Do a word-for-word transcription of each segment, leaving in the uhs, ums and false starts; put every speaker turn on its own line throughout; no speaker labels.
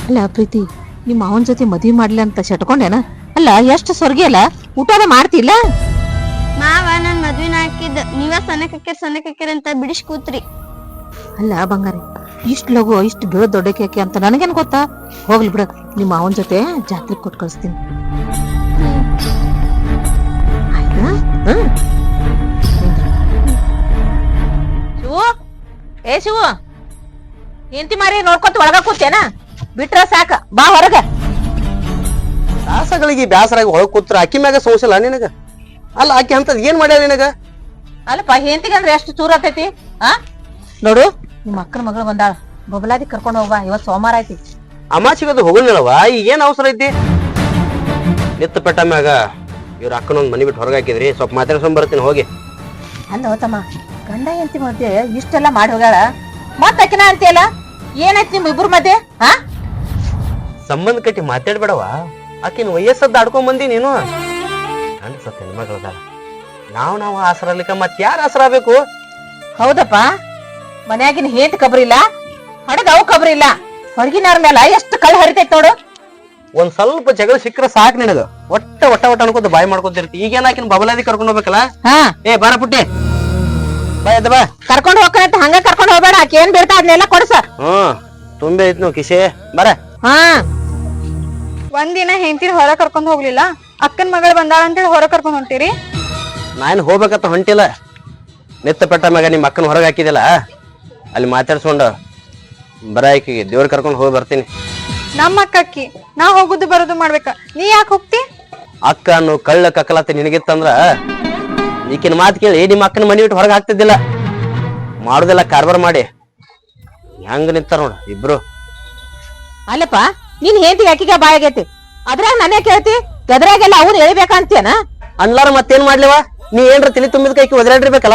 ಅಲ್ಲ ಪ್ರೀತಿ, ನಿಮ್ಮ ಅವನ ಜೊತೆ ಮದ್ವಿ ಮಾಡ್ಲಿ ಅಂತ ಶಟ್ಕೊಂಡೇನ? ಅಲ್ಲ ಎಷ್ಟು ಸ್ವರ್ಗಿ ಅಲ್ಲ, ಊಟದ ಮಾಡ್ತಿಲ್ಲ?
ಮಾವ ನನ್ ಮದ್ವಿನ ಹಾಕಿದ್ ನೀವ ಸಣ್ಣಕಕ್ಕಿರ್ ಸಣ್ಣಕಕ್ಕಿರ್ ಅಂತ ಬಿಡಿಸ್ ಕೂತ್ರಿ.
ಅಲ್ಲ ಬಂಗಾರಿ, ಇಷ್ಟ್ ಲಗು ಇಷ್ಟು ಬೀಳ ದೊಡ್ಡಕ್ಕೆ ಅಂತ ನನಗೇನ್ ಗೊತ್ತಾ? ಹೋಗ್ಲಿ ಬಿಡ, ನಿಮ್ಮ ಅವನ ಜೊತೆ ಜಾತ್ರೆ ಕೊಟ್ಟು ಕಳಿಸ್ತೀನಿ. ಆಯ್ತಾ? ಹ್ಮ್ ಶಿವು, ಏ ಶಿವು, ಎಂತಿ ಮಾರಿ ನೋಡ್ಕೊತ ಒಳಗ ಕೂತೇನ? ಬಿಟ್ರ ಸಾಕ, ಬಾ ಹೊರಗ.
ದಾಸಗಳಿಗೆ ಬ್ಯಾಸರಾಗಿ ಹೊಳಗ್ ಕೂತ್ರ ಅಕ್ಕಿ ಮ್ಯಾಗ ಸೋಸಲ್ಲ ನಿನಗ? ಅಲ್ಲ ಆಕಿ ಅಂತದ್ ಏನ್ ಮಾಡ್ಯಾರ ನಿನಗ?
ಅಲ್ಲಪ್ಪ, ಹೆಂತಿಗೆ ಅಂದ್ರೆ ಎಷ್ಟು ಚೂರ ಆತೈತಿ? ಆ ನೋಡು, ನಿಮ್ಮ ಅಕ್ಕನ ಮಗಳು ಬಂದಾಳ, ಬಬಲಾದಿ ಕರ್ಕೊಂಡ್ ಹೋಗ್ಬಾ, ಇವತ್ ಸೋಮವಾರ ಐತಿ.
ಅಮಾಚಿಗದು ಹೋಗಲ್ವ? ಈಗ ಏನ್ ಅವಸರ ಐತಿ? ನಿತ್ತ ಪೆಟ್ಟ ಮ್ಯಾಗ ಇವ್ರ ಅಕ್ಕನೊಂದ್ ಮನಿ ಬಿಟ್ಟು ಹೊರಗೆ ಹಾಕಿದ್ರಿ, ಸ್ವಲ್ಪ ಮಾತಾಡ್ಕೊಂಡ್ ಬರ್ತೀನಿ ಹೋಗಿ.
ಅಲ್ಲ ತಮ್ಮ, ಗಂಡ ಹೆಂಡತಿ ಮಧ್ಯೆ ಇಷ್ಟೆಲ್ಲ ಮಾಡಿ ಹೋಗ್ಯಾಳ, ಮತ್ ಅಕಿನ ಅಂತೀಯಲ್ಲ, ಏನೈತಿ ನಿಮ್ ಇಬ್ರು ಮಧ್ಯೆ? ಹಾ,
ಸಂಬಂಧ ಕಟ್ಟಿ ಮಾತಾಡ್ಬೇಡವ. ಆಕಿನ ವಯಸ್ಸದ್ದು ಆಡ್ಕೊಂಡ್ ಬಂದಿ ನೀನು. ಗಂಡ ಸತ್ತ ಹೆಣ್ಮಗಳದಾಳ, ನಾವ್ ನಾವು ಆಸರಲಿಕ್ಕ ಮತ್ ಯಾರ ಆಸರ ಆಗ್ಬೇಕು?
ಹೌದಪ್ಪ, ಮನ್ಯಾಗಿನ ಹೇಂತ ಕಬ್ರಿ ಇಲ್ಲ, ಹಡಗ ಅವು ಕಬ್ರಿ ಇಲ್ಲ, ಹೊರಗಿನವ್ರ ಮೇಲೆ ಎಷ್ಟು ಕಳ್ಳ ಹರಿತೈತ್ ನೋಡು.
ಒಂದ್ ಸ್ವಲ್ಪ ಜಗಳ ಸಿಕ್ಕ್ರ ಸಾಕ್ ನಿನಗ. ಒಟ್ಟ ಒಟ್ಟ ಒಟ್ಟ ಅನ್ಕೋತ ಬಾಯಿ ಮಾಡ್ಕೊತಿರ್ತಿ. ಈಗೇನ ಆಕಿನ ಬಬಲಾದಿ ಕರ್ಕೊಂಡ್ ಹೋಗ್ಬೇಕಲ್ಲ?
ಹಾ,
ಏ ಬಾರ ಪುಟ್ಟಿ, ಬಾ ಎದ್ದ ಬಾ.
ಕರ್ಕೊಂಡ್ ಹೋಗ್ಕಂತ ಹಂಗ ಕರ್ಕೊಂಡ್ ಹೋಗ್ಬೇಡ, ಆಕೆ ಏನ್ ಬೀಳ್ತಾ ಅದನ್ನೆಲ್ಲ ಕೊಡ್ಸ.
ಹ್ಮ್ ತುಂಬೆ ಐತ್ ನಾವು ಕಿಶೆ, ಬರ.
ಹಾ,
ಒಂದಿನ ಹೆಂಡತಿನ ಹೊರ ಕರ್ಕೊಂಡ್ ಹೋಗ್ಲಿಲ್ಲ, ಅಕ್ಕನ್ ಮಗಳು ಬಂದಾಳ ಅಂತೇಳಿ ಹೊರ ಕರ್ಕೊಂಡ್ ಹೊಂಟಿರಿ.
ನಾನು ಹೋಗ್ಬೇಕಂತ ಹೊಂಟಿಲ್ಲ. ನಿತ್ತ ಪೆಟ್ಟ ಮ್ಯಾಗ ನಿಮ್ಮ ಅಕ್ಕನ ಹೊರಗೆ ಹಾಕಿದಿಲ್ಲ, ಅಲ್ಲಿ ಮಾತಾಡ್ಸ್ಕೊಂಡು ಬರ ಆಕಿಗೆ ದೇವ್ರ ಕರ್ಕೊಂಡು ಹೋಗಿ ಬರ್ತೀನಿ.
ನಮ್ಮ ಅಕ್ಕಿ ನಾ ಹೋಗುದು ಬರೋದು ಮಾಡ್ಬೇಕ, ನೀ ಯಾಕೆ ಹೋಗ್ತಿ?
ಅಕ್ಕ ಅನ್ನು ಕಳ್ಳ ಕಕ್ಕಲತ್ತ ನಿನಗಿತ್ತಂದ್ರ ಈಕಿನ ಮಾತು ಕೇಳಿ ನಿಮ್ಮ ಅಕ್ಕನ ಮನಿ ಬಿಟ್ಟು ಹೊರಗೆ ಹಾಕ್ತಿದ್ದಿಲ್ಲ. ಮಾಡುದಿಲ್ಲ ಕಾರ್ಬಾರ್ ಮಾಡಿ ಹೆಂಗ ನಿಂತಾರ ನೋಡ ಇಬ್ರು.
ಅಲ್ಲಪ್ಪ, ನೀನ್ ಹೇಂತಿ ಅಕ್ಕಿಗೆ ಬಾಯಾಗೈತಿ, ಅದ್ರಾಗ ನಾನೇ ಕೇಳ್ತಿ, ಗದ್ರಾಗೆಲ್ಲ ಅವ್ರು ಎಳಿಬೇಕಂತೇನ?
ಅನ್ಲಾರ ಮತ್ತೇನ್ ಮಾಡ್ಲಿವ? ನೀ ಏನ್ರ ತಿಳಿ ತುಂಬಿದ ಕೈಕಿ ಒದರಾಡಿರ್ಬೇಕಲ್ಲ.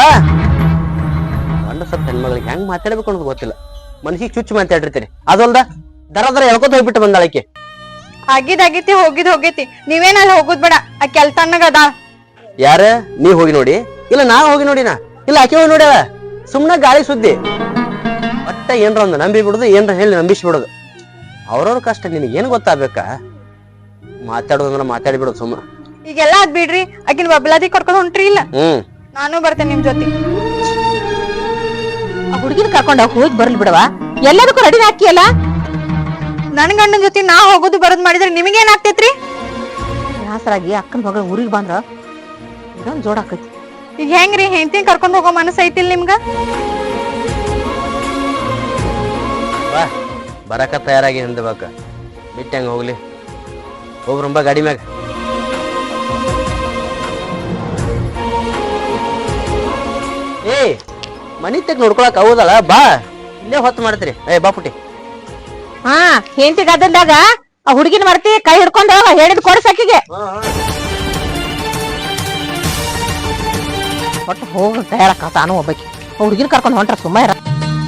ಗಂಡ ಸತ್ತ ಹೆಣ್ಮಗಳಿಗೆ ಹೆಂಗ್ ಮಾತಾಡ್ಬೇಕು ಅನ್ನೋದು ಗೊತ್ತಿಲ್ಲ, ಮನಸ್ಸಿಗೆ ಚುಚ್ಚು ಮಾತಾಡಿರ್ತೀರಿ. ಅದಲ್ದ ದರ ದರ ಎಳ್ಕೊತ ಹೋಗ್ಬಿಟ್ಟು ಬಂದಾಳಕ್ಕೆ.
ಆಗಿದ್ ಆಗೈತಿ, ಹೋಗಿದ್ ಹೋಗೈತಿ, ನೀವೇನ ಅಲ್ಲಿ ಹೋಗುದ್ ಬೇಡ, ಆಕಿ ಅಲ್ಲಿ ತಣ್ಣಗ ಅದ.
ಯಾರ ನೀ ಹೋಗಿ ನೋಡಿ? ಇಲ್ಲ ನಾ ಹೋಗಿ ನೋಡಿನ? ಇಲ್ಲ ಆಕೆ ಹೋಗಿ ನೋಡ್ಯಾಳ. ಸುಮ್ನ ಗಾಳಿ ಸುದ್ದಿ. ಒಟ್ಟ ಏನ್ರ ಒಂದು ನಂಬಿ ಬಿಡುದು, ಏನ್ರ ಹೇಳಿ ನಂಬಿಸಿ ಬಿಡುದು. ಅವ್ರವ್ರ ಕಷ್ಟ ನಿನಗೆ ಏನ್ ಗೊತ್ತಾಗ್ಬೇಕಾ? ಮಾತಾಡೋದಂದ್ರ ಮಾತಾಡಿ ಬಿಡೋದು ಸುಮ್ಮ.
ಈಗೆಲ್ಲಾ ಅದ್ ಬಿಡ್ರಿ, ಆಕಿನ ಬಬ್ಲಾದಿ ಕರ್ಕೊಂಡ್ ಹೊಂಟ್ರಿ ಇಲ್ಲ?
ಹ್ಮ್,
ನಾನು ಬರ್ತೇನೆ ನಿಮ್ ಜೊತೆ.
ಆ ಹುಡುಗಿನ ಕರ್ಕೊಂಡ್ ಹೋಗಿ ಬರ್ಲಿ ಬಿಡವಾ, ಎಲ್ಲದಕ್ಕೂ ರೆಡಿ ಹಾಕಿಯಲ್ಲ.
ನನ್ ಗಂಡನ ಜೊತೆ ನಾ ಹೋಗುದು ಬರೋದ್ ಮಾಡಿದ್ರೆ ನಿಮಗೇನ್ ಆಗ್ತೈತ್ರಿ?
ಬ್ಯಾಸರಾಗಿ ಅಕ್ಕನ ಮಗಳ ಊರಿಗೆ ಬಂದ್ರ ಇದೊಂದ್ ಜೋಡ್ ಆಕೈತಿ.
ಈಗ ಹೆಂಗ್ರಿ, ಹೆಂಡತಿನ ಕರ್ಕೊಂಡ್ ಹೋಗೋ ಮನಸ್ಸು ಐತಿಲ್ ನಿಮ್ಗ?
ಬಾ, ಬರಕ ತಯಾರಾಗಿ ಹಿಂದಬೇಕ, ಬಿಟ್ಟು ಹೆಂಗ ಹೋಗ್ಲಿ. ಹೋಗ್ರಂಬ ಗಾಡಿ ಮ್ಯಾಗ. ಏ ಮನಿ ತೆಗ್ ನೋಡ್ಕೊಳಕ್ ಹೌದಲ್ಲ, ಬಾ, ಇಲ್ಲೇ ಹೊತ್ತು ಮಾಡ್ತೀರಿ. ಏ ಬಾ ಪುಟ್ಟಿ.
ಹಾ, ಹೆಂಡತಿ ಗದ್ದಲ್ದಾಗ ಆ ಹುಡುಗಿನ ಮರ್ತಿ ಕೈ ಹಿಡ್ಕೊಂಡ್ ಹೇಳಿದ್ ಕೊಡ್ಸಕ್ಕಿಗೆ. ಒಟ್ಟು ಹೋಗ ತಯಾರಕ್ಕ ತಾನು ಹೋಗ್ಬೇಕಿ, ಹುಡುಗಿನ ಕರ್ಕೊಂಡ್ ಹೊಂಟ್ರ ಸುಮ್ಮ ಇರ.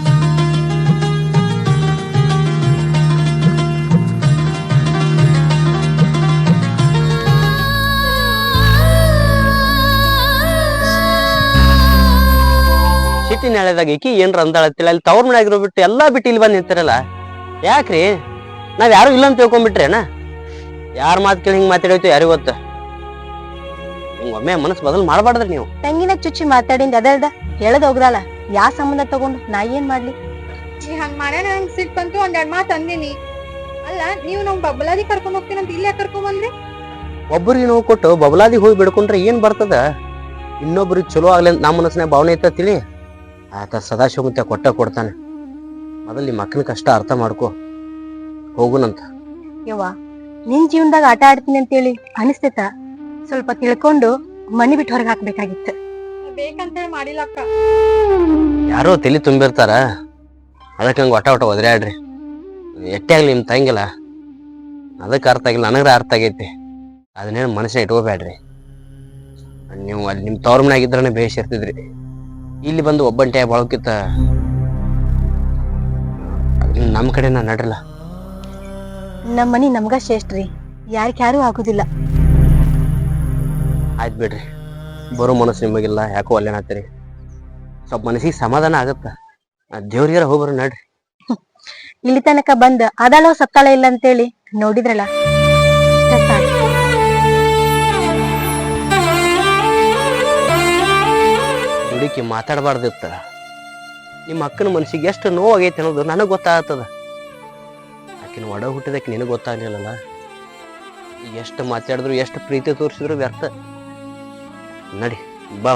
ಸಿಟಿ ನಾಳೆದಾಗ ಈಕಿ ಏನ್ರ ಅಂದಾಳತ್ತಿಲ್ಲ, ಅಲ್ಲಿ ತವ್ರ ಮನೆ ಆಗಿರೋ ಬಿಟ್ಟು ಎಲ್ಲಾ ಬಿಟ್ಟು ಇಲ್ಲಿ ಬಂದ್ ನಿಂತಿರಲ್ಲ ಯಾಕ್ರಿ? ನಾವ್ ಯಾರು ಇಲ್ಲ ಅಂತ ತಿಳ್ಕೊಂಡ್ಬಿಟ್ರೇನ? ಯಾರ ಮಾತು ಕೇಳಿ ಹಿಂಗ್ ಮಾತಾಡೋಯ್ತು ಯಾರಿಗ ಗೊತ್ತ? ಹಿಂಗ ಒಮ್ಮೆ ಮನಸ್ಸು ಬದಲು ಮಾಡ್ಬಾರ್ದ್ರಿ ನೀವು.
ತಂಗಿನ ಚುಚ್ಚಿ ಮಾತಾಡಿಂದ ಅದಲ್ದ ಹೇಳದ್ ಹೋಗ್ರಲ್ಲ, ಯಾ ಸಂಬಂಧ ತಗೊಂಡು ನಾ ಏನ್ ಮಾಡ್ಲಿ? ಹಂಗ ಮಾಡ್ಯಾನ, ನಂಗ್ ಸಿಟ್ ಬಂತು, ಒಂದ್ ಎರಡ್ ಮಾತು ಅಂದಿನಿ. ಅಲ್ಲ, ನೀವು ನಮ್ ಬಬ್ಬಲಾದಿ ಕರ್ಕೊಂಡ್ ಹೋಗ್ತೀನಂತ ಇಲ್ಲೇ ಕರ್ಕೊಂಡ್ ಬಂದ್ರಿ?
ಒಬ್ಬರಿಗೆ ನೋವು ಕೊಟ್ಟು ಬಬಲಾದಿ ಹೋಗಿ ಬಿಡ್ಕೊಂಡ್ರೆ ಏನ್ ಬರ್ತದ? ಇನ್ನೊಬ್ರಿಗೆ ಚಲೋ ಆಗ್ಲಿ ಅಂತ ನಮ್ಮ ಮನಸ್ಸಿನ ಭಾವನೆ ಐತ ತಿಳಿ. ಆತ ಸದಾಶಿವಮೂರ್ತಿ ಕೊಟ್ಟ ಕೊಡ್ತಾನೆ. ಮೊದಲು ನಿಮ್ಮ ಅಕ್ಕನ ಕಷ್ಟ ಅರ್ಥ ಮಾಡ್ಕೊ, ಹೋಗುನಂತ.
ಯವ್ವ, ನಿನ್ ಜೀವನದಾಗ ಆಟ ಆಡ್ತೀನಿ ಅಂತೇಳಿ ಅನಿಸ್ತೇತ? ಸ್ವಲ್ಪ ತಿಳ್ಕೊಂಡು ಮನಿ ಬಿಟ್ಟು ಹೊರಗೆ ಹಾಕ್ಬೇಕಾಗಿತ್ತು. ಬೇಕಂತೇಳಿ ಮಾಡಿಲ್ಲ ಅಕ್ಕ.
ಯಾರೋ ತಲಿ ತುಂಬಿರ್ತಾರ, ಅದಕ್ಕೆ ಹಂಗ ಒಟ ಒಟ ಒದರಾಡ್ರಿ. ಎಟ್ಟೆ ಆಗ್ಲಿ ನಿಮ್ ತಂಗಿಲ್ಲ, ಅದಕ್ಕೆ ಅರ್ಥ ಆಗಿಲ್ಲ, ನನಗ್ರ ಅರ್ಥ ಆಗೈತಿ. ಅದನ್ನೇನು ಮನಸ್ಸಿನ ಇಟ್ಕೋಬೇಡ್ರಿ. ನೀವು ಅಲ್ಲಿ ನಿಮ್ ತವ್ರ ಮನೆ ಆಗಿದ್ರನೆ ಬೇಷ್ ಇರ್ತಿದ್ರಿ. ಇಲ್ಲಿ ಬಂದು ಒಬ್ಬಂಟೆ ಬಾಳಕಿತ್ತ ನಮ್ ಕಡೆ ನಾ ನಡ್ರಲ್ಲ.
ನಮ್ಮ ಮನಿ ನಮ್ಗ ಶ್ರೇಷ್ಠ್ರಿ, ಯಾರಿಗ ಯಾರು ಆಗುದಿಲ್ಲ.
ಆಯ್ತು ಬಿಡ್ರಿ, ಬರೋ ಮನಸ್ಸು ನಿಮಗಿಲ್ಲ, ಯಾಕೋ ಅಲ್ಲೇನಾಗ್ತೀರಿ. ಸ್ವಲ್ಪ ಮನಸ್ಸಿಗೆ ಸಮಾಧಾನ ಆಗತ್ತ. ದೇವ್ರಿಗಾರ ಹೋಗ್ಬರ ನಡ್ರಿ.
ಇಲ್ಲಿ ತನಕ ಬಂದ್ ಅದಾಳೋ ಸತ್ತಾಳ ಇಲ್ಲ ಅಂತೇಳಿ ನೋಡಿದ್ರಲ್ಲ, ಇಷ್ಟ ಸಾಕು.
ದುಡುಕಿ ಮಾತಾಡಬಾರ್ದಿತ್ತ. ನಿಮ್ಮ ಅಕ್ಕನ ಮನಸ್ಸಿಗೆ ಎಷ್ಟು ನೋವಾಗೈತೆ ಅನ್ನೋದು ನನಗೆ ಗೊತ್ತಾಗ್ತದ. ಆಕಿನ ಒಡ ಹುಟ್ಟಿದಕ್ಕೆ ನಿನಗೆ ಗೊತ್ತಾಗ್ಲಿಲ್ಲಲ್ಲ. ಈಗ ಎಷ್ಟು ಮಾತಾಡಿದ್ರು ಎಷ್ಟು ಪ್ರೀತಿ ತೋರಿಸಿದ್ರು ವ್ಯರ್ಥ. ನಡಿ ಬಾ.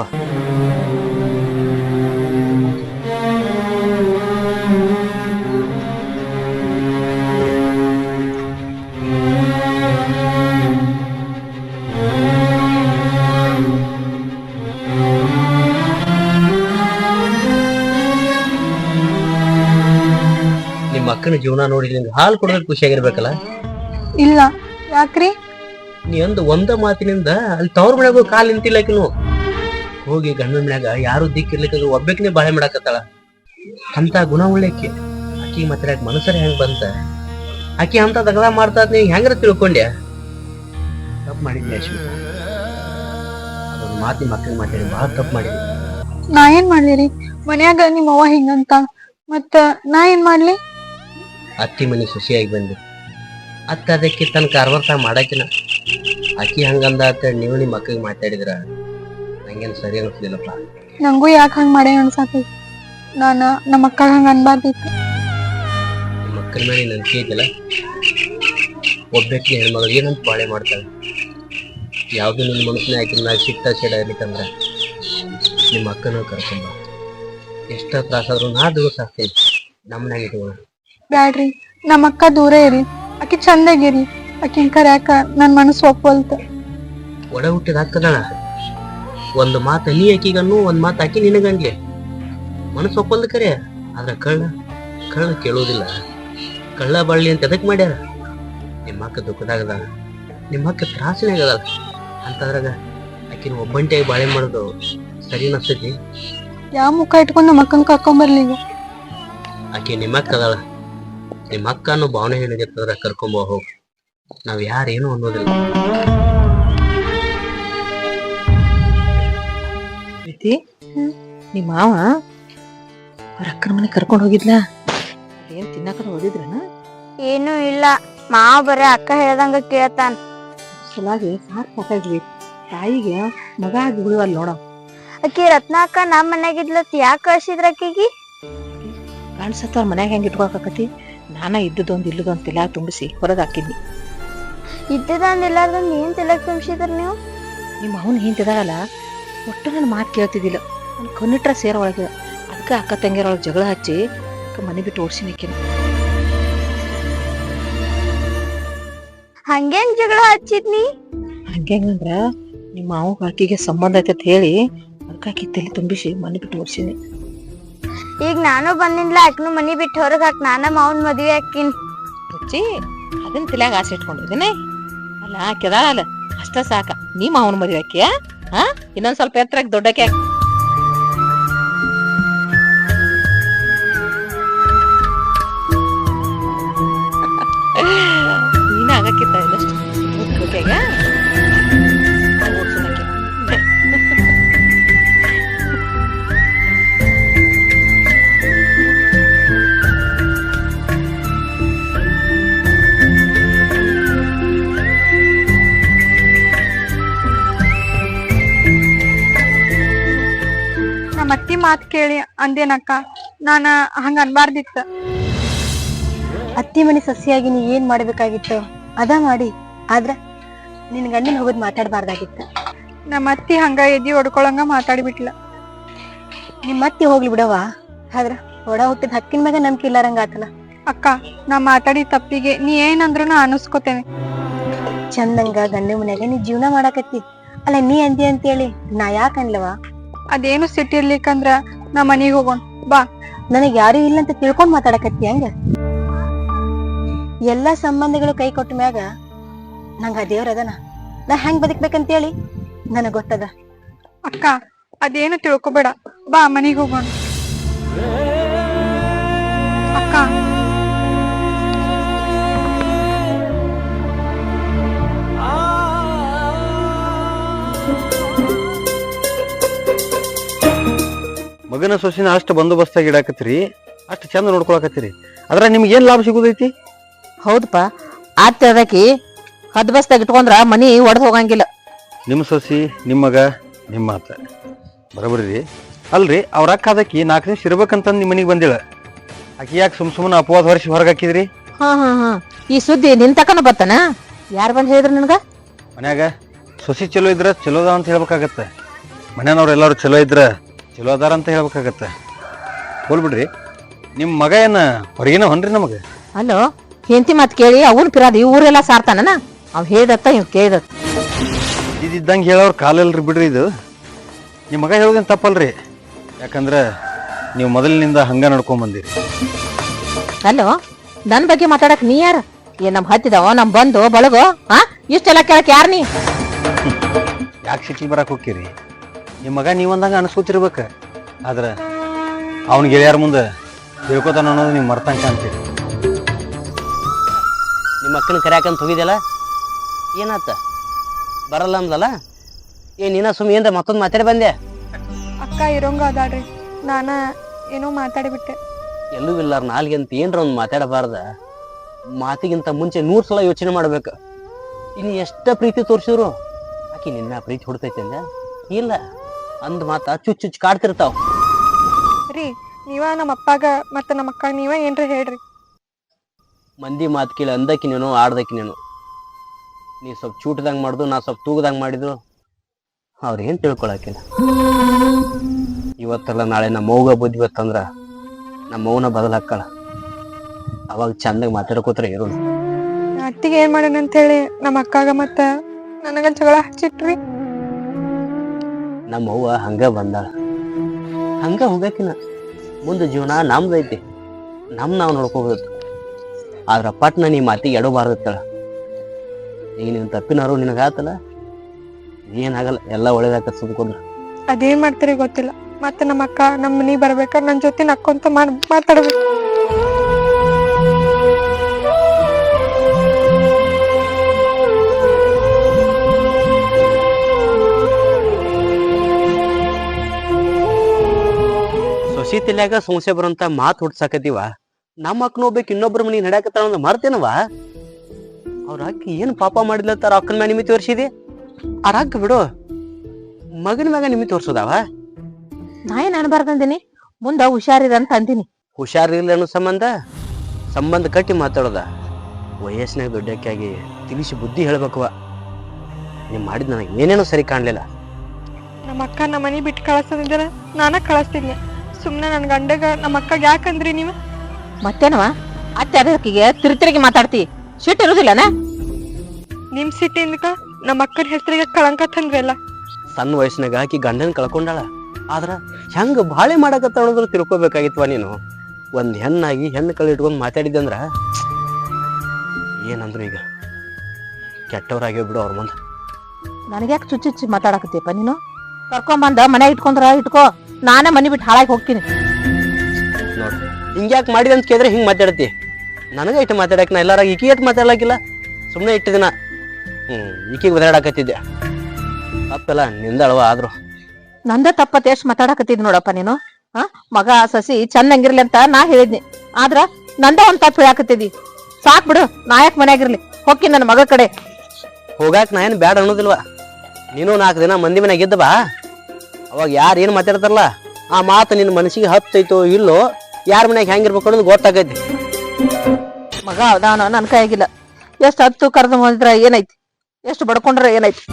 ನಿಮ್ಮ ಅಕ್ಕನ ಜೀವನ ನೋಡಿ ನಿಂಗೆ ಹಾಲು ಕೊಡೋದಕ್ಕೆ ಖುಷಿಯಾಗಿರ್ಬೇಕಲ್ಲ.
ಇಲ್ಲ ಯಾಕ್ರಿ?
ನೀ ಅಂದ ಒಂದ ಮಾತಿನಿಂದ ಅಲ್ಲಿ ತವ್ರ ಮನ್ಯಾಗ ಕಾಲ್ ನಿಂತಿಲ್ಲಕಿನು. ಹೋಗಿ ಗಂಡನ ಮನ್ಯಾಗ ಯಾರು ದಿಕ್ಕಿರ್ಲಿಕ್ಕ ಒಬ್ಬಕಿನೇ ಬಾಳೆ ಮಾಡಾಕತ್ತಾಳ. ಅಂತ ಗುಣ ಉಳ್ಳಕ್ಕೆ ಆಕಿ ಮಾತಾಡಕ್ ಮನಸ್ಸರ ಹೆಂಗ್ ಬಂತ? ಆಕಿ ಅಂತ ದಗದ ಮಾಡ್ತಾ ನೀ ಹೆಂಗ್ರ ತಿಳ್ಕೊಂಡ್ಯ? ತಪ್ಪು ಮಾಡಿದ್ನಿ ಅಶ್ವಿತ. ಅದೊಂದು ಮಾತು ನಿಮ್ಮ ಅಕ್ಕನ ಮಾತಾಡಿ ಬಹಳ ತಪ್ಪು ಮಾಡಿದ್ನಿ.
ನಾ ಏನ್ ಮಾಡ್ಲಿರಿ? ಮನ್ಯಾಗ ನಿಮ್ಮ ಅವ್ವ ಹಿಂಗಂತ ಮತ್ತ ನಾ ಏನ್ ಮಾಡ್ಲಿ?
ಅತ್ತಿ ಮನೆ ಖುಷಿಯಾಗಿ ಬಂದಿ. ಅತ್ತ ಅದಕ್ಕೆ ತನ್ನ ಕಾರ್ವರ್ತ ಮಾಡಾಕಿನ ಆಕಿ ಹಂಗಂದ ಅಂತ ನೀವು ನಿಮ್ಮ ಅಕ್ಕಗೆ ಮಾತಾಡಿದ್ರ ನಂಗೇನು ಸರಿ ಅನಿಸ್ಲಿಲ್ಲಪ್ಪ.
ನಂಗೂ ಯಾಕೆ ಹಂಗ ಮಾಡೇ ಅನ್ಸಾತೈತಿ. ನಾನ ನಮ್ಮ ಅಕ್ಕ ಹಂಗ ಅನ್ಬಾರ್ದಿತ್ತು.
ನಿಮ್ಮ ಅಕ್ಕನ ಮೇಲೆ ನಂಬಿಕೆ ಐತಿಲ್ಲ. ಒಬ್ಬಕ್ಕೆ ಹೆಣ್ಮಗಳು ಏನಂತ ಬಾಳೆ ಮಾಡ್ತಾಳೆ. ಯಾವ್ದು ನಿನ್ನ ಮನಸ್ಸಿನ ಆಕಿನ ಮ್ಯಾಗ ಸಿಟ್ಟ ಸಿಡ ಇರ್ಲಿಕ್ಕಂದ್ರ ನಿಮ್ಮ ಅಕ್ಕನ ಕರ್ಕೊಂಬ. ಎಷ್ಟ ತ್ರಾಸಾದ್ರು ನಾ ದಿವಸ ಆಗ್ತೇನೆ ನಮ್ಮನ್ಯಾಗ ಇಟ್ಕೋಣ.
ಬ್ಯಾಡ್ರಿ, ನಮ್ಮ ಅಕ್ಕ ದೂರ ಇರಿ. ಆಕಿ ಚಂದಾಗಿರಿ. ಆಕಿನ್ ಕರ್ಯಾಕ ನನ್ ಮನಸ್ಸು ಒಪ್ಪಲ್ತ.
ಒಡ ಹುಟ್ಟಿದ ಹಾಕದಣ ಒಂದು ಮಾತು ನೀ ಆಕಿಗನ್ನು ಒಂದ್ ಮಾತು ಆಕಿ ನಿನಗನ್ಲಿ ಮನಸ್ಸು ಒಪ್ಪಲ್ದ ಕರೆ. ಆದ್ರ ಕಳ್ಳ ಕಳ್ಳ ಕೇಳೋದಿಲ್ಲ. ಕಳ್ಳ ಬಳ್ಳಿ ಅಂತ ಎದಕ್ ಮಾಡ್ಯಾರ? ನಿಮ್ಮ ಅಕ್ಕ ದುಃಖದಾಗದ, ನಿಮ್ಮ ಅಕ್ಕ ತ್ರಾಸಿನಾಗದ. ಅಂತದ್ರಾಗ ಆಕಿನ ಒಬ್ಬಂಟಿಯಾಗಿ ಬಾಳೆ ಮಾಡೋದು ಸರಿ ಅನಿಸ್ತೈತಿ?
ಯಾವ ಮುಖ ಇಟ್ಕೊಂಡು ನಮ್ಮ ಅಕ್ಕನ ಕರ್ಕೊಂಬರ್ಲಿ ಈಗ?
ಆಕಿ ನಿಮ್ಮ ಅಕ್ಕ ಅದಾಳ. ನಿಮ್ಮ ಅಕ್ಕ ಅನ್ನೋ ಭಾವನೆ ಏನಿರ್ತದ್ರ ಕರ್ಕೊಂಬ ಹೋಗ್. ನಾವ್ ಯಾರೇನು ಅನ್ನೋದಿಲ್ಲ.
ಪ್ರೀತಿ, ನಿಮ್ಮ ಮಾವ ಅವ್ರ ಅಕ್ಕನ ಮನೆ ಕರ್ಕೊಂಡು ಹೋಗಿದ್ಲ? ಏನ್ ತಿನ್ನಕ ಓದಿದ್ರನ?
ಏನು ಇಲ್ಲ, ಮಾವ ಬರೇ ಅಕ್ಕ ಹೇಳ್ದಂಗ ಕೇಳ್ತಾನ.
ಸಲಾಗಿ ಸಾಕ್ ಸಾಕಾಗ್ವಿ. ತಾಯಿಗೆ ಮಗ ಆಗಿ ಉಳಿವಲ್ ನೋಡ.
ಅಕ್ಕಿ ರತ್ನ ಅಕ್ಕ ನಮ್ ಮನ್ಯಾಗಿದ್ಲತ್ ಯಾಕೆ ಕಳ್ಸಿದ್ರ ಅಕ್ಕಿಗಿ?
ಕಾಣಿಸತ್ತ ಅವ್ರ ಮನ್ಯಾಗ ಹೆಂಗ್ ಇಟ್ಕೊಳಕತಿ? ನಾನ ಇದ್ದದೊಂದ್ ಇಲ್ಲದೊಂದ್ ತಿಲಾ ತುಂಬಿಸಿ ಹೊರಗ್ ಹಾಕಿದ್ನಿ.
ಇದ್ದದಂದ್ ಇಲ್ಲಾರ್ದಂದ್ ಏನ್ ತಿಲಕ್ ತುಂಬಿಸಿದ್ರ ನೀವು?
ನಿಮ್ಮ ಅವನ್ ಹಿಂತಿದಾಗಲ್ಲ, ಒಟ್ಟು ನನ್ನ ಮಾತು ಕೇಳ್ತಿದ್ದಿಲ್ಲ. ನನ್ ಕಣ್ಣಿಟ್ರ ಸೇರ ಒಳಗ. ಅದಕ್ಕ ಅಕ್ಕ ತಂಗಿಯರೊಳಗೆ ಜಗಳ ಹಚ್ಚಿ ಮನೆ ಬಿಟ್ಟು ಓಡ್ಸಿನಿಕ್ಕಿನ.
ಹಂಗೇನ್ ಜಗಳ ಹಚ್ಚಿದ್ನಿ?
ಹಂಗಂದ್ರ ನಿಮ್ಮ ಮಾವ ಆಕಿಗೆ ಸಂಬಂಧ ಐತೆ ಅಂತ ಹೇಳಿ ಅದಕ್ಕೆ ಆಕಿ ತಲೆ ತುಂಬಿಸಿ ಮನೆ ಬಿಟ್ಟು ಓಡ್ಸಿನಿ.
ಈಗ ನಾನು ಬಂದಿನ್ಲ, ಅಕ್ನು ಮನಿ ಬಿಟ್ಟು ಹೊರಗ್ ಹಾಕ್ ನಾನ ಮಾವನ್ ಮದ್ವೆ ಹಾಕಿನ್.
ಹುಚ್ಚಿ, ಅದನ್ನ ತಲೆಯಾಗ ಆಸೆ ಇಟ್ಕೊಂಡಿದ್ದೀನಿ. ಅಲ್ಲ ಕೆದಾಳಲ್ಲ ಅಷ್ಟ ಸಾಕ. ನೀ ಮಾವನ ಮದ್ವೆ ಹಾಕಿಯ? ಹಾ, ಇನ್ನೊಂದ್ ಸ್ವಲ್ಪ ಎತ್ತರಕ್ಕೆ ದೊಡ್ಡಕ್ಕೆ ನೀನ ಆಗಕ್ಕಿತ್ತ ಇಲ್ಲಷ್ಟು ಓಕೆಗ ಓಡ್ಸೋಣಕ್ಕೆ.
ನಮ್ಮ ಅತ್ತಿ ಮಾತ್ ಕೇಳಿ ಅಂದೇನಕ್ಕ, ನಾನ ಹಂಗ ಅನ್ಬಾರ್ದಿತ್ತ. ಅತ್ತಿ ಮನಿ ಸಸಿಯಾಗಿ ನೀ ಏನ್ ಮಾಡ್ಬೇಕಾಗಿತ್ತು ಅದ ಮಾಡಿ. ಆದ್ರ ನಿನ್ ಗಂಡನ್ ಹೋಗೋದ್ ಮಾತಾಡ್ಬಾರ್ದಾಗಿತ್ತ. ನಮ್ಮ ಅತ್ತಿ ಹಂಗ ಎದಿ ಹೊಡ್ಕೊಳಂಗ ಮಾತಾಡ್ಬಿಟ್ಲ. ನಿಮ್ಮ ಅತ್ತಿ ಹೋಗ್ಲಿ ಬಿಡವಾ, ಆದ್ರ ಒಡ ಹುಟ್ಟಿದ ಹಕ್ಕಿನ ಮ್ಯಾಗ ನಂಬಿಕೆ ಇಲ್ಲಾರಂಗ ಆತಲ್ಲ. ಅಕ್ಕ, ನಾ ಮಾತಾಡಿ ತಪ್ಪಿಗೆ ನೀ ಏನಂದ್ರು ನಾ ಅನಸ್ಕೋತೇನೆ. ಚಂದಂಗ ಗಂಡ ಮನ್ಯಾಗ ನೀ ಜೀವನ ಮಾಡಾಕತ್ತಿ ಅಲ್ಲ, ನೀ ಅಂದಿ ಅಂತೇಳಿ ನಾ ಯಾಕ ಅನ್ಲವಾ? ಅದೇನು ಸಿಟ್ಟಿರ್ಲಿಕ್ಕಂದ್ರ ನಾ ಮನಿಗ್ ಹೋಗೋಣ ಬಾ. ನನಗ್ ಯಾರು ಇಲ್ಲ ಅಂತ ತಿಳ್ಕೊಂಡ್ ಮಾತಾಡಕತ್ತಿ ಹಂಗ? ಎಲ್ಲಾ ಸಂಬಂಧಗಳು ಕೈ ಕೊಟ್ಟ ಮ್ಯಾಗ ನಂಗ ಆ ದೇವ್ರ ಅದನ, ನಾ ಹೆಂಗ್ ಬದುಕ್ಬೇಕಂತೇಳಿ ನನಗ್ ಗೊತ್ತದ. ಅಕ್ಕ, ಅದೇನು ತಿಳ್ಕೊಬೇಡ ಬಾ, ಮನಿಗ್ ಹೋಗೋಣ. ಅಕ್ಕ,
ಮಗನ ಸೊಸಿನ ಅಷ್ಟು ಬಂದೋಬಸ್ತಾಗಿ ಇಡಾಕತ್ರಿ. ಅಷ್ಟು ಚಂದ ನೋಡ್ಕೊಳಕತ್ತೀರಿ ಅದ್ರ ನಿಮ್ಗೆ ಏನ್ ಲಾಭ ಸಿಗುದೈತಿ?
ಹೌದಪ್ಪ ಆತ ಅದಕ್ಕಿ ಹದ್ ಬಸ್ದಾಗ ಇಟ್ಕೊಂಡ್ರ ಮನಿ ಒಡೆದ್ ಹೋಗಂಗಿಲ್ಲ.
ನಿಮ್ಮ ಸೊಸಿ ನಿಮ್ಮ ಮಗ ನಿಮ್ಮ ಮಾತ ಬರೋಬರಿ ರೀ. ಅಲ್ರಿ ಅವ್ರ ಅಕ್ಕ ಅದಕ್ಕಿ ನಾಲ್ಕು ದಿವಸ ಇರ್ಬೇಕಂತಂದು ನಿಮ್ಮ ಮನೆಗೆ ಬಂದಿಳ, ಆಕಿ ಯಾಕೆ ಸುಮ್ ಸುಮ್ಮನೆ ಅಪವಾದ ಹೊರಿಸಿ ಹೊರಗೆ ಹಾಕಿದ್ರಿ?
ಹಾ ಹಾ ಹಾ ಈ ಸುದ್ದಿ ನಿನ್ ತಕನ ಬತ್ತಾನ? ಯಾರು ಬಂದ್ ಹೇಳಿದ್ರ ನಿನ್ಗ?
ಮನ್ಯಾಗ ಸೊಸಿ ಚಲೋ ಇದ್ರ ಚಲೋ ಅದ ಅಂತ ಹೇಳ್ಬೇಕಾಗತ್ತ, ಮನ್ಯಾನವ್ರು ಎಲ್ಲಾರು ಚಲೋ ಇದ್ರ ಚಲೋ ಅದಾರ ಅಂತ ಹೇಳ್ಬೇಕಾಗತ್ತ. ಹೋಲ್ ಬಿಡ್ರಿ, ನಿಮ್ಮ ಮಗ ಏನ ಹೊರಗಿನ ಹೊನ್ರಿ ನಮಗ?
ಅಲ್ಲೋ ಹೆಂಡತಿ ಮಾತ್ ಕೇಳಿ ಅವನ್ ಪಿರಾದ ಈ ಊರೆಲ್ಲ ಸಾರ್ತಾನ. ಅವ್ ಹೇಳ್ದತ್ತ ಇವ್ ಕೇಳ್ದತ್ತ.
ಇದ್ದಂಗೆ ಹೇಳೋರು ಕಾಲಲ್ರಿ ಬಿಡ್ರಿ. ಇದು ನಿಮ್ಮ ಮಗ ಹೇಳೋದೇನು ತಪ್ಪಲ್ರಿ, ಯಾಕಂದ್ರೆ ನೀವು ಮೊದಲಿನಿಂದ ಹಂಗ ನಡ್ಕೊಂಡ್ ಬಂದಿರಿ.
ಅಲ್ಲೋ ನನ್ ಬಗ್ಗೆ ಮಾತಾಡಕ್ ನೀ ಯಾರ? ಏನ್ ನಮ್ ಹತ್ತಿದವ ನಮ್ ಬಂದು ಬಳಗೋ? ಹಾ ಇಷ್ಟೆಲ್ಲ ಕೇಳಕ್ ಯಾರ ನೀ?
ಯಾಕೆ ಸಿಟಿ ಬರಕ್ ಹೋಗ್ತೀರಿ? ನಿಮ್ಮ ಮಗ ನೀವಂದಂಗ ಅನ್ಸ್ಕೊತಿರ್ಬೇಕ, ಆದ್ರ ಅವ್ನ ಗೆಳೆಯಾರ ಮುಂದೆ ತಿಳ್ಕೊತಾನ ಅನ್ನೋದು ನೀವು ಮರ್ತಂಕ ಅಂತೀರಿ.
ನಿಮ್ಮ ಅಕ್ಕನ ಕರ್ಯಾಕಂತ ಹೋಗಿದ್ಯಲ್ಲ, ಏನಾತ? ಬರಲ್ಲ ಅಂದಲ್ಲ ಏ ನೀನ ಸುಮ್ ಏನ್ರ ಮತ್ತೊಂದು ಮಾತಾಡಿ ಬಂದೆ?
ಅಕ್ಕ ಇರೋಂಗ ಅದಾಳ್ರಿ, ನಾನ ಏನೋ ಮಾತಾಡಿಬಿಟ್ಟೆ.
ಎಲ್ಲೂ ಇಲ್ಲಾರ ನಾಲ್ಗೆ ಅಂತ ಏನ್ರ ಒಂದು ಮಾತಾಡಬಾರ್ದ? ಮಾತಿಗಿಂತ ಮುಂಚೆ ನೂರ್ ಸಲ ಯೋಚನೆ ಮಾಡ್ಬೇಕ. ಇನ್ನು ಎಷ್ಟ ಪ್ರೀತಿ ತೋರಿಸಿದ್ರು ಆಕಿ ನಿನ್ನ ಪ್ರೀತಿ ಹೊಡ್ತೈತೆ ಅಂದ ಇಲ್ಲ ಅಂದ್ ಮಾತ ಚುಚ್ ಚುಚ್ ಕಾಡ್ತಿರ್ತಾವ.
ರೀ ನೀವ ನಮ್ಮ ಅಪ್ಪಾಗ ಮತ್ತ ನಮ್ಮ ಅಕ್ಕ ನೀವ ಏನ್ರ ಹೇಳ್ರಿ.
ಮಂದಿ ಮಾತು ಕೇಳಿ ಅಂದಕ್ಕಿ ನೀನು ಆಡ್ದಕ್ಕಿ ನೀನು. ನೀ ಸ್ವಲ್ಪ ಚೂಟ್ದಂಗ್ ಮಾಡ್ದು, ನಾ ಸ್ವಲ್ಪ ತೂಗದಂಗ್ ಮಾಡಿದ್ರು ಅವ್ರ ಏನ್ ತಿಳ್ಕೊಳಕಿಲ್ಲ. ಇವತ್ತಲ್ಲ ನಾಳೆ ನಮ್ಮ ಮೌಗ ಬುದ್ಧಿ ಬತ್ತಂದ್ರ ನಮ್ಮ ಮೌನ ಬದಲ್ ಹಾಕಳ. ಅವಾಗ ಚಂದಾಗ ಮಾತಾಡ್ಕೋತ್ರ ಇರೋದು.
ಅತ್ತಿಗೆ ಏನ್ ಮಾಡ್ಯಾನ ಅಂತ ಹೇಳಿ ನಮ್ಮ ಅಕ್ಕಾಗ ಮತ್ತ ನನಗ ಜಗಳ ಹಚ್ಚಿಟ್ರಿ.
ನಮ್ಮ ಅವ್ವ ಹಂಗ ಬಂದಾಳ, ಹಂಗ ಹೋಗಕಿನ ಮುಂದೆ ಜೀವನ ನಮ್ದೈತಿ, ನಮ್ ನಾವ್ ನೋಡ್ಕೋಬೇಕು. ಆದ್ರ ಪಟ್ನ ನೀ ಮಾತಿಗೆ ಎಡಬಾರ್ದತ್ತಳ. ಈಗ ನೀನ್ ತಪ್ಪಿನಾರು ನಿನಗಾತಲ್ಲ, ಏನಾಗಲ್ಲ, ಎಲ್ಲ ಒಳ್ಳೇದಾಕ ಸುಮ್ಕೊಂಡ್ರ.
ಅದೇನ್ ಮಾಡ್ತೀರಿ ಗೊತ್ತಿಲ್ಲ, ಮತ್ತೆ ನಮ್ಮ ಅಕ್ಕ ನಮ್ಮ ಮನಿ ಬರ್ಬೇಕ ನನ್ ಜೊತೆ ನಕ್ಕೊಂತ ಮಾಡ್ ಮಾತಾಡ್ಬೇಕು.
ಸೊಸಿ ತಲ್ಯಾಗ ಸಮಸ್ಯೆ ಬರೋಂತ ಮಾತು ಹುಡ್ಸಾಕತ್ತೀವ. ನಮ್ಮ ಅಕ್ಕನ ಹೋಗ್ಬೇಕು ಇನ್ನೊಬ್ರ ಮನಿ ನಡ್ಯಾಕತ್ತಾಳ ಅಂದ್ ಮರ್ತೇನವ? ಅವ್ರ ಅಕ್ಕ ಏನ್ ಪಾಪ ಮಾಡಿದ್ಲತ್ತಾರ ಅಕ್ಕನ ಮ್ಯಾಗ ನಿಮಿತಿ ತೋರಿಸಿದಿ? ಅವ್ರ ಅಕ್ಕ ಬಿಡು, ಮಗನ ಮ್ಯಾಗ ನಿಮಿತಿ ತೋರ್ಸೋದಾವ?
ನಾ ಏನ್ ಅನ್ಬಾರ್ದಂದಿನಿ, ಮುಂದ ಹುಷಾರಿರ ಅಂತ ಅಂದಿನಿ.
ಹುಷಾರಿಲ್ಲ ಅನ್ನೋ ಸಂಬಂಧ ಸಂಬಂಧ ಕಟ್ಟಿ ಮಾತಾಡೋದ? ವಯಸ್ಸಿನಾಗ ದೊಡ್ಡಕ್ಕಾಗಿ ತಿಳಿಸಿ ಬುದ್ಧಿ ಹೇಳ್ಬೇಕವ. ನೀವ್ ಮಾಡಿದ್ ನನಗೆ ಏನೇನೋ ಸರಿ ಕಾಣ್ಲಿಲ್ಲ.
ನಮ್ಮ ಅಕ್ಕ ನಮ್ಮ ಮನಿ ಬಿಟ್ಟು ಕಳಿಸೋದಿದ್ರ ನಾನ ಕಳಿಸ್ತಿದ್ನಿ. ಸುಮ್ನೆ ನನ್ ಗಂಡಗ ನಮ್ಮ ಅಕ್ಕಗ ಯಾಕಂದ್ರಿ ನೀವು?
ಮತ್ತೇನವ ಅತ್ತೆ ಅದಕ್ಕಿಗೆ ತಿರುತಿರಿಗೆ ಮಾತಾಡ್ತಿ, ಸಿಟ್ಟು ಇರುದಿಲ್ಲನ?
ನಿಮ್ ಸಿಟ್ಟಿಂದ ನಮ್ಮ ಅಕ್ಕನ ಹೆಸರಿಗೆ ಕಳಂಕ ತಂದ್ರಿ ಅಲ್ಲ.
ಸಣ್ಣ ವಯಸ್ಸಿನಾಗ ಆಕಿ ಗಂಡನ ಕಳ್ಕೊಂಡಾಳ, ಆದ್ರ ಹೆಂಗ ಬಾಳೆ ಮಾಡಕತ್ತ ಅನ್ನೋದ್ರ ತಿಳ್ಕೊಬೇಕಾಗಿತ್ವ ನೀನು. ಒಂದ್ ಹೆಣ್ಣಾಗಿ ಹೆಣ್ಣು ಕಳಿ ಇಟ್ಕೊಂಡ್ ಮಾತಾಡಿದ್ದಂದ್ರ ಏನಂದ್ರು ಈಗ ಕೆಟ್ಟವ್ರಾಗ್ಯೋ ಬಿಡು ಅವ್ರ ಮುಂದೆ.
ನನಗ್ಯಾಕೆ ಚುಚ್ಚುಚ್ಚಿ ಮಾತಾಡಕತ್ತೀಯಪ್ಪ ನೀನು? ಕರ್ಕೊಂಬಂದ ಮನೆ ಇಟ್ಕೊಂಡ್ರ ಇಟ್ಕೋ, ನಾನೇ ಮನಿ ಬಿಟ್ಟು ಹಾಳಾಗಿ ಹೋಗ್ತೀನಿ.
ನೋಡ್ ಹಿಂಗ್ಯಾಕ್ ಮಾಡಿದೆ ಅಂತ ಕೇಳಿದ್ರೆ ಹಿಂಗ್ ಮಾತಾಡತಿ. ನನಗ ಇಟ್ಟು ಮಾತಾಡಕ್ ನಾ ಎಲ್ಲಾರಾಗ ಈಕಿ ಇಟ್ಟು ಮಾತಾಡ್ಲಾಕಿಲ್ಲ. ಸುಮ್ಮನೆ ಇಟ್ಟು ದಿನ ಹ್ಮ್ ಈಕಿಗೆ ಬದಾಡಕತ್ತಿದ್ದೆ. ತಪ್ಪೆಲ್ಲ ನಿಂದಳವ. ಆದ್ರು
ನಂದ ತಪ್ಪತ್ತೆ ಎಷ್ಟು ಮಾತಾಡಕತ್ತಿದ್ ನೋಡಪ್ಪ ನೀನು. ಹ ಮಗ ಸಸಿ ಚಂದಂಗಿರ್ಲಿ ಅಂತ ನಾ ಹೇಳಿದ್ನಿ, ಆದ್ರ ನಂದ ಒಂದ್ ತಪ್ಪು ಹೇಳಾಕತ್ತಿದಿ. ಸಾಕ್ ಬಿಡು, ನಾಯಕ್ ಮನ್ಯಾಗಿರ್ಲಿ, ಹೋಗಿ ನನ್ನ ಮಗ ಕಡೆ.
ಹೋಗಾಕ್ ನಾ ಏನ್ ಬ್ಯಾಡ ಅನ್ನೋದಿಲ್ವಾ? ನೀನು ನಾಲ್ಕು ದಿನ ಮಂದಿ ಮನ್ಯಾಗ ಇದ್ದ ಬಾ, ಅವಾಗ ಯಾರು ಏನ್ ಮಾತಾಡ್ತಾರಲ್ಲ ಆ ಮಾತು ನಿನ್ನ ಮನಸ್ಸಿಗೆ ಹತ್ತೈತೋ ಇಲ್ಲೋ, ಯಾರ ಮನ್ಯಾಗ ಹೆಂಗಿರ್ಬೇಕು ಅನ್ನೋದು ಗೊತ್ತಾಗೈತಿ.
ಮಗ ಅವನ ನನ್ ಕೈಯಾಗಿಲ್ಲ. ಎಷ್ಟು ಹತ್ತು ಕರೆದು ಮಾಡಿದ್ರ ಏನೈತಿ, ಎಷ್ಟು ಬಡ್ಕೊಂಡ್ರ ಏನೈತಿ?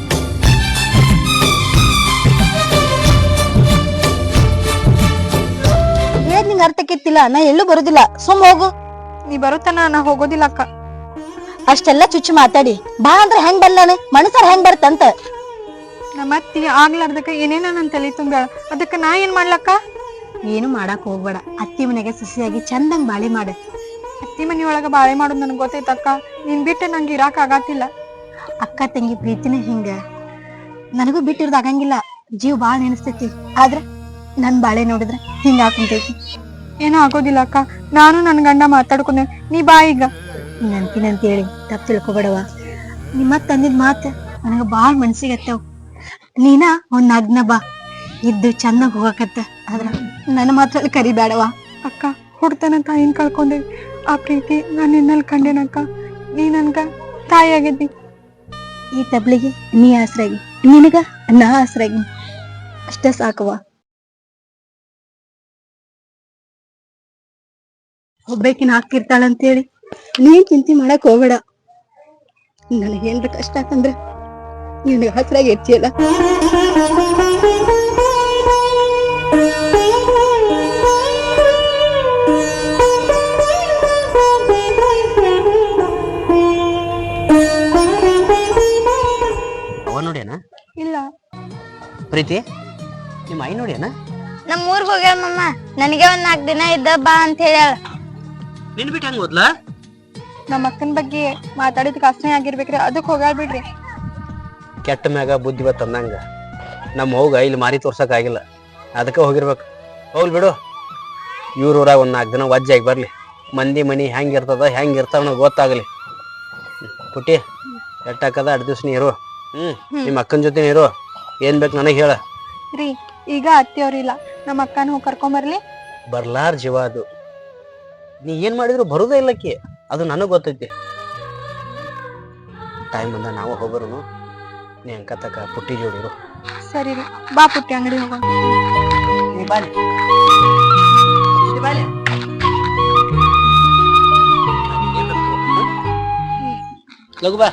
ಏನ್ ನಿಂಗ ಅರ್ಥಕ್ಕಿತ್ತಿಲ್ಲ? ನಾ ಎಲ್ಲೂ ಬರುದಿಲ್ಲ, ಸುಮ್ ಹೋಗು.
ನೀ ಬರುತ್ತಾನ ನಾ ಹೋಗೋದಿಲ್ಲ ಅಕ್ಕ.
ಅಷ್ಟೆಲ್ಲ ಚುಚ್ಚು ಮಾತಾಡಿ ಬಾ ಅಂದ್ರೆ ಹೆಂಗ್ ಬರ್ಲಾನೆ? ಮನಸ್ಸಾರ ಹೆಂಗ್ ಬರ್ತಂತ?
ನಮ್ಮ ಅತ್ತಿ ಆಗ್ಲಾರ್ದಕ್ಕ ಏನೇನ ನನ್ ತಲೆ ತುಂಬ್ಯಾಳ, ಅದಕ್ಕ ನಾ ಏನ್ ಮಾಡ್ಲಕ್ಕ?
ಏನು ಮಾಡಾಕ್ ಹೋಗ್ಬೇಡ, ಅತ್ತಿ ಮನೆಗೆ ಸಸಿಯಾಗಿ ಚಂದಂಗ್ ಬಾಳೆ ಮಾಡ.
ಅತ್ತಿ ಮನಿ ಒಳಗ ಬಾಳೆ ಮಾಡೋದು ನನ್ಗೆ ಗೊತ್ತೈತಕ್ಕ. ನೀನ್ ಬಿಟ್ಟು ನಂಗೆ ಇರಾಕ್ ಆಗತ್ತಿಲ್ಲ.
ಅಕ್ಕ ತಂಗಿ ಪ್ರೀತಿನ ಹಿಂಗ, ನನಗೂ ಬಿಟ್ಟಿರೋದು ಆಗಂಗಿಲ್ಲ. ಜೀವ ಬಾಳ ನೆನಸ್ತೈತಿ, ಆದ್ರ ನನ್ ಬಾಳೆ ನೋಡಿದ್ರ ಹಿಂಗ ಹಾಕುಂತೈತಿ.
ಏನೋ ಆಗೋದಿಲ್ಲ ಅಕ್ಕ, ನಾನು ನನ್ ಗಂಡ ಮಾತಾಡ್ಕೊಂಡೆ, ನೀ ಬಾ ಈಗ.
ನಂತಿನಂತ ಹೇಳಿ ತಪ್ಪು ತಿಳ್ಕೊಬೇಡವ. ನಿಮ್ಮ ತಂದಿದ್ ಮಾತ ನನಗ ಬಾಳ ಮನ್ಸಿಗೆ ಹತ್ತವ್. ನೀನ ಒಂದ್ ನಗ್ನ ಬಾ, ಇದ್ದು ಚಂದಾಗ ಹೋಗಕತ್ತ, ಆದ್ರ ನನ್ನ ಮಾತ್ರ ಕರಿಬೇಡವ.
ಅಕ್ಕ ಹುಡ್ತನ ತಾಯಿನ ಕಳ್ಕೊಂಡೆ. ಆ ಪ್ರೀತಿ ನಾನು ನಿನ್ನಲ್ಲಿ ಕಂಡೇನಕ್ಕ. ನೀ ನನ್ಗ ತಾಯಿ ಆಗಿದ್ದಿ.
ಈ ತಬ್ಲಿಗೆ ನೀ ಆಸರಾಗಿ, ನಿನಗ ನಾ ಆಸರಾಗಿ, ಅಷ್ಟ ಸಾಕವ್ವ. ಒಬ್ಬಾಕಿನ ಹಾಕಿರ್ತಾಳಂತೇಳಿ ನೀನ್ ಚಿಂತೆ ಮಾಡಕ್ ಹೋಗ್ಬೇಡ. ನನಗೇನ್ರ ಕಷ್ಟ ಆತಂದ್ರ ನಿನಗ ಹಸ್ರಾಗಿ ಇರ್ತಿಯಲ್ಲ.
ಅವ ನೋಡ್ಯಾನ
ಇಲ್ಲ.
ಪ್ರೀತಿ ನಿಮ್ಮ ಐ ನೋಡ್ಯಾನ?
ನಮ್ ಊರ್ಗ್ ಹೋಗ್ಯಾಳ ಮಮ್ಮ. ನನಗೆ ಒಂದ್ ನಾಲ್ಕು ದಿನ ಇದ್ದ ಬಾ ಅಂತ ಹೇಳ್ಯಾಳ.
ನಿನ್ ಬಿಟ್ಟು ಹೆಂಗ್ ಹೋದ್ಲಾ?
ನಮ್ಮ ಅಕ್ಕನ ಬಗ್ಗೆ ಮಾತಾಡಿದಕ್ಕೆ ಅಸಹ್ಯ ಆಗಿರ್ಬೇಕ್ರಿ, ಅದಕ್ಕೆ ಹೋಗ್ಯಾಳ ಬಿಡ್ರಿ.
ಕೆಟ್ಟ ಮ್ಯಾಗ ಬುದ್ಧಿ ಬತ್ತ ಅಂದಂಗ ನಮ್ಮ ಹೋಗ ಇಲ್ಲಿ ಮಾರಿ ತೋರ್ಸಕ್ ಆಗಿಲ್ಲ, ಅದಕ್ಕೆ ಹೋಗಿರ್ಬೇಕು. ಹೋಗ್ಲಿ ಬಿಡು, ಇವ್ರ ಊರಾಗ ಒಂದ್ ನಾಲ್ಕು ದಿನ ವಜ್ಜಾಗಿ ಬರ್ಲಿ, ಮಂದಿ ಮನಿ ಹೆಂಗ್ ಇರ್ತದ ಹೆಂಗ್ ಇರ್ತಾವ ಗೊತ್ತಾಗ್ಲಿ. ಪುಟ್ಟಿ ಎಟ್ಟಾಕದ ಎರಡು ದಿವ್ಸ ನೀ ಇರು. ಹ್ಮ್ ನಿಮ್ಮ ಅಕ್ಕನ ಜೊತೆ ಇರು. ಏನ್ ಬೇಕು ನನಗೆ ಹೇಳ.
ರೀ ಈಗ ಅತ್ತಿಯವ್ರಿಲ್ಲ, ನಮ್ಮ ಅಕ್ಕನ ಹೋಗಿ ಕರ್ಕೊಂಬರ್ಲಿ.
ಬರ್ಲಾರ ಜೀವ ಅದು. ನೀ ಏನ್ ಮಾಡಿದ್ರು ಬರುದೇ ಇಲ್ಲಕ್ಕಿ, ಅದು ನನಗ್ ಗೊತ್ತೈತಿ. ಟೈಮ್ ಬಂದ ನಾವು ಹೋಗೋರು. ನೀ ಅಂಕತಕ್ಕ ಪುಟ್ಟಿ ಜೋಡಿರು.
ಸರಿ ರೀ, ಬಾ ಪುಟ್ಟಿ ಅಂಗಡಿ ಹೋಗೋಣ.
ಲಗು ಬಾ.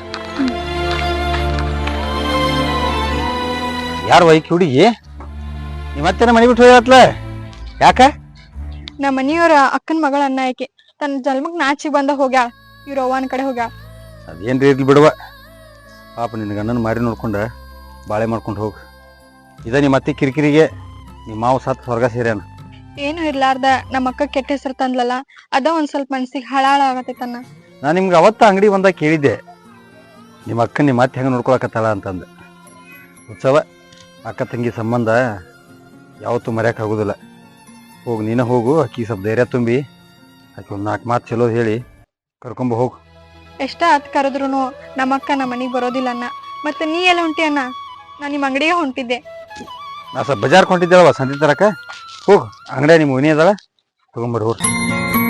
ಯಾರು ವೈಕಿ ಹುಡುಗಿ? ನೀ ಮತ್ತೆ ಮನೆ ಬಿಟ್ಟು ಹೋಗತ್ಲ ಯಾಕ?
ನಮ್ಮ ಮನಿಯವ್ರ ಅಕ್ಕನ ಮಗಳ ಅನ್ನ ಆಕೆ ತನ್ನ ಜನ್ಮಕ್ ನಾಚಿಗೆ ಬಂದ ಹೋಗ್ಯಾಳ. ಇವ್ರ ಅವ್ವನ ಕಡೆ ಹೋಗ್ಯಾಳ.
ಅದೇನ್ರಿ ಇರ್ಲಿ ಬಿಡುವ. ಪಾಪ ನಿನ್ನ ಗಂಡನ ಮಾರಿ ನೋಡ್ಕೊಂಡ ಬಾಳೆ ಮಾಡ್ಕೊಂಡು ಹೋಗು. ಇದ ನಿಮ್ಮ ಅತ್ತೆ ಕಿರಿಕಿರಿಗೆ ನಿಮ್ಮ ಮಾವು ಸತ್ ಹೊರಗ ಸೇರ್ಯಾನ.
ಏನು ಇರ್ಲಾರ್ದ ನಮ್ಮ ಅಕ್ಕ ಕೆಟ್ಟ ಹೆಸರು ತಂದ್ಲಲ್ಲ, ಅದ ಒಂದ್ ಸ್ವಲ್ಪ ಮನ್ಸಿಗೆ ಹಳಾಳ ಆಗತ್ತೈತನ್ನ.
ನಾ ನಿಮ್ಗೆ ಅವತ್ತ ಅಂಗಡಿ ಬಂದಾಗ ಕೇಳಿದ್ದೆ, ನಿಮ್ಮ ಅಕ್ಕ ನಿಮ್ಮ ಅತ್ತೆ ಹೆಂಗೆ ನೋಡ್ಕೊಳಕತ್ತಾಳ ಅಂತಂದ. ಉತ್ಸವ ಅಕ್ಕ ತಂಗಿ ಸಂಬಂಧ ಯಾವತ್ತೂ ಮರ್ಯಾಕೆ ಆಗೋದಿಲ್ಲ. ಹೋಗಿ ನೀನ ಹೋಗು, ಆಕಿ ಸ್ವಲ್ಪ ಧೈರ್ಯ ತುಂಬಿ ಆಕಿ ಒಂದು ನಾಲ್ಕು ಮಾತು ಚಲೋ ಹೇಳಿ ಕರ್ಕೊಂಬ ಹೋಗು.
ಎಷ್ಟ ಹತ್ ಕರೆದ್ರು ನಮ್ಮ ಅಕ್ಕ ನಮ್ಮ ಮನಿಗ್ ಬರೋದಿಲ್ಲ ಅನ್ನ. ಮತ್ತೆ ನೀ ಎಲ್ಲ ಹೊಂಟಿ ಅನ್ನ? ನಾ ನಿಮ್ಮ ಅಂಗಡಿಗೆ ಹೊಂಟಿದ್ದೆ.
ನಾ ಸ್ವಲ್ಪ ಬಜಾರ್ ಕೊಂಡಿದ್ದೇಳವ ಸಂತಿ ತರಕ. ಹೋಗು, ಅಂಗಡಿಯ ನಿಮ್ಮ ಮನಿ ಅದಾಳ, ತಗೊಂಬರ್ರಿ ಹೋಗ್ರಿ.